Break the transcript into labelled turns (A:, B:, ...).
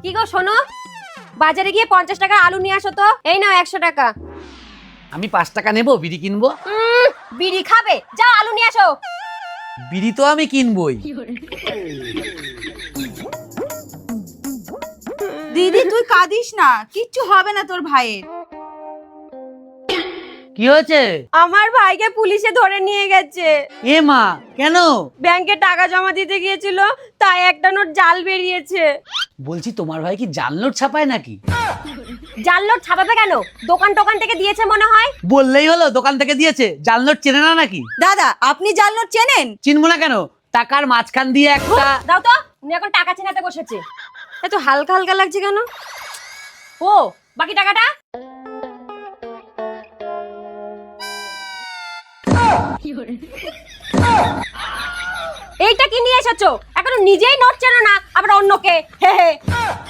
A: কি গো শোনো, বাজারে গিয়ে 50 টাকা আলু নিয়ে আসো তো। এই নাও 100 টাকা।
B: আমি 5 টাকা নেবো, বিড়ি কিনবো।
A: বিড়ি খাবে? যাও আলু নিয়ে আসো।
B: বিড়ি তো আমি কিনবই।
C: দিদি তুই কাঁদিস না, কিচ্ছু হবে না তোর ভাইয়ের।
B: কি হয়েছে?
A: আমার ভাইকে পুলিশে ধরে নিয়ে গেছে।
B: এ মা, কেন?
A: ব্যাংকে টাকা জমা দিতে গিয়েছিল, তাই একটা নোট জাল বেরিয়েছে।
B: বলছি তোমার ভাই কি জাল নোট ছাপায় নাকি?
A: জাল নোট ছাপাবে কেন? দোকান টোকান থেকে দিয়েছে মনে হয়।
B: বললেই হলো দোকান থেকে দিয়েছে, জাল নোট চেনে না নাকি?
C: দাদা আপনি জাল নোট চেনেন?
B: চিনবো না কেন? টাকার মাঝখান দিয়ে একটা।
A: দাও তো, উনি এখন টাকা চেনাতে বসেছে। এত হালকা হালকা লাগছে কেন? ও, বাকি টাকাটা? এইটা কি নিয়ে এসেছো? এখনো নিজেই নোট চেনো না, আবার অন্যকে। হে হে।